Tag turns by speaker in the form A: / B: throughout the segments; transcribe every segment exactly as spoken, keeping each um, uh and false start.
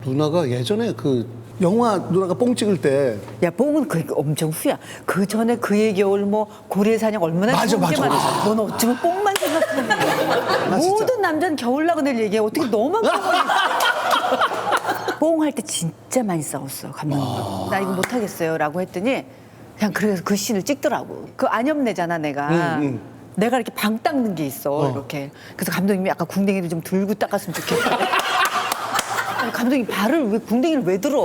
A: 누나가 예전에 그 영화 누나가 뽕 찍을 때
B: 야, 뽕은 그 엄청 후야. 그 전에 그의 겨울 뭐 고래사냥 얼마나
A: 맞아,
B: 좋은 게
A: 맞아,
B: 많아. 넌 어쩌면 뽕만 생각하는 거야. 모든 남자는 겨울 나그네를 얘기해. 어떻게 너만 뽕을 뽕할 때 진짜 많이 싸웠어 감독님. 나 이거 못하겠어요 라고 했더니 그냥 그래서 그 씬을 찍더라고. 그 안염내잖아 내가.
A: 응, 응.
B: 내가 이렇게 방 닦는 게 있어
A: 어.
B: 이렇게. 그래서 감독님이 아까 궁뎅이를 좀 들고 닦았으면 좋겠다. 아니, 감독님 발을 왜 궁뎅이를 왜 들어?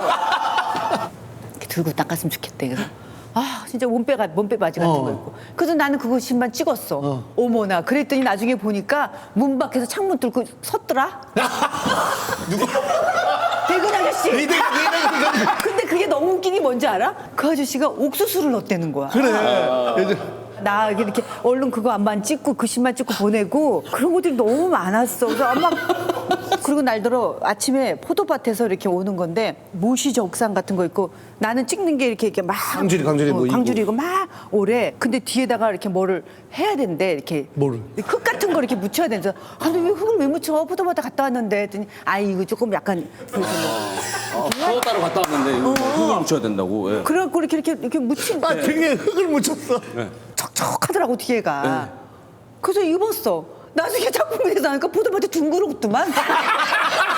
B: 이렇게 들고 닦았으면 좋겠대. 그래서 아 진짜 몸빼가 몸빼 바지 같은
A: 어.
B: 거 입고. 그래서 나는 그것만 찍었어.
A: 어.
B: 어머나. 그랬더니 나중에 보니까 문 밖에서 창문 뚫고 섰더라.
A: 누구?
B: 대근 아저씨.
A: 이대 이대
B: 근데 그게 너무 웃긴 게 뭔지 알아? 그 아저씨가 옥수수를 넣었다는 거야.
A: 그래. 예전
B: 나 이렇게 얼른 그거 안만 찍고 그 신만 찍고 보내고 그런 것들이 너무 많았어. 그래서 아마 그리고 날들어 아침에 포도밭에서 이렇게 오는 건데 모시 적상 같은 거 있고 나는 찍는 게 이렇게 이렇게 막
A: 광주리, 광주리 뭐
B: 어,
A: 이고.
B: 광주리고 막 오래. 근데 뒤에다가 이렇게 뭐를 해야 된대. 이렇게
A: 뭐를?
B: 흙 같은 거 이렇게 묻혀야 된다. 아, 근데 왜 흙을 왜 묻혀? 포도밭에 갔다 왔는데 했더니 아 이거 조금 약간 그래서 뭐
C: 파워 따로 갔다 왔는데 이거 흙을 묻혀야 된다고. 예.
B: 그래갖고 이렇게 이렇게 이렇게 묻힌
A: 아 등에 흙을 묻혔어.
B: 척척하더라고 뒤에가. 그래서 입었어. 나중에 작품에서 나니까 포도밭에 둥그렇더만.